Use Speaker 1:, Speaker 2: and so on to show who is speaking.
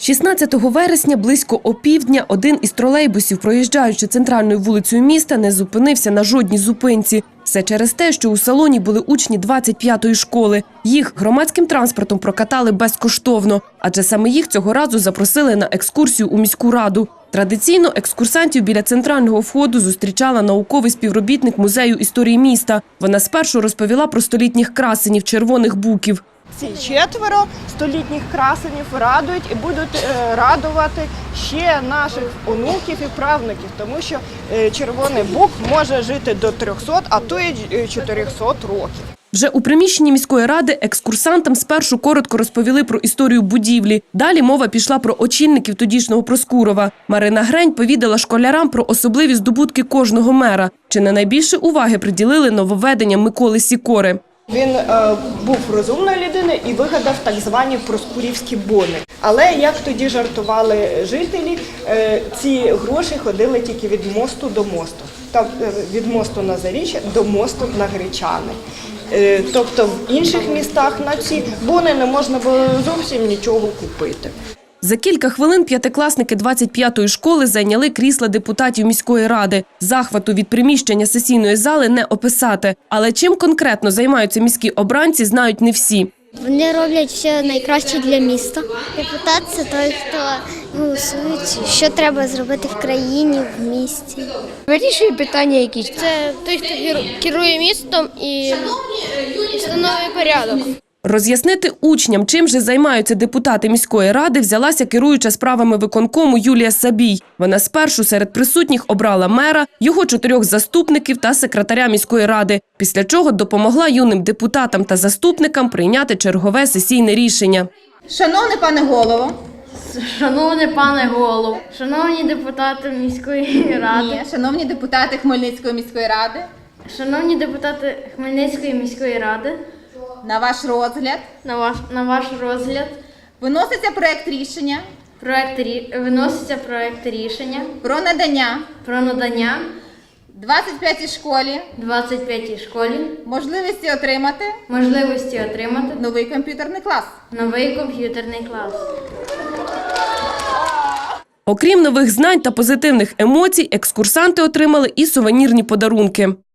Speaker 1: 16 вересня близько опівдня один із тролейбусів, проїжджаючи центральною вулицею міста, не зупинився на жодній зупинці. Все через те, що у салоні були учні 25-ї школи. Їх громадським транспортом прокатали безкоштовно, адже саме їх цього разу запросили на екскурсію у міську раду. Традиційно екскурсантів біля центрального входу зустрічала науковий співробітник Музею історії міста. Вона спершу розповіла про столітніх красенів червоних буків.
Speaker 2: Ці 4 столітніх красенів радують і будуть радувати ще наших онуків і правнуків, тому що червоний бук може жити до 300, а то й 400 років.
Speaker 1: Вже у приміщенні міської ради екскурсантам спершу коротко розповіли про історію будівлі. Далі мова пішла про очільників тодішнього Проскурова. Марина Грень повідала школярам про особливі здобутки кожного мера. Чи не найбільше уваги приділили нововведенням Миколи Сікори.
Speaker 2: Він був розумною людиною і вигадав так звані проскурівські бони. Але, як тоді жартували жителі, ці гроші ходили тільки від мосту до мосту. Тобто від мосту на Заріччя до мосту на Гречани. Тобто в інших містах на ці бони не можна було зовсім нічого купити.
Speaker 1: За кілька хвилин п'ятикласники 25-ї школи зайняли крісла депутатів міської ради. Захвату від приміщення сесійної зали не описати. Але чим конкретно займаються міські обранці, знають не всі.
Speaker 3: Вони роблять все найкраще для міста. Депутат – це той, хто голосує, що треба зробити в країні, в місті.
Speaker 4: Вирішує питання якісь.
Speaker 3: Це той, хто керує містом і встановлює порядок.
Speaker 1: Роз'яснити учням, чим же займаються депутати міської ради, взялася керуюча справами виконкому Юлія Сабій. Вона спершу серед присутніх обрала мера, його 4 заступників та секретаря міської ради, після чого допомогла юним депутатам та заступникам прийняти чергове сесійне рішення.
Speaker 5: Шановний пане голово.
Speaker 4: Шановний пане голово, шановні депутати міської ради.
Speaker 5: Ні, шановні депутати Хмельницької міської ради.
Speaker 4: Шановні депутати Хмельницької міської ради.
Speaker 5: На ваш розгляд.
Speaker 4: На ваш розгляд.
Speaker 5: Виноситься проект рішення.
Speaker 4: Виноситься проект рішення.
Speaker 5: Про надання. 25-й школі.
Speaker 4: 25-й школі.
Speaker 5: Можливості отримати. Новий комп'ютерний клас.
Speaker 4: Новий комп'ютерний клас.
Speaker 1: Окрім нових знань та позитивних емоцій, екскурсанти отримали і сувенірні подарунки.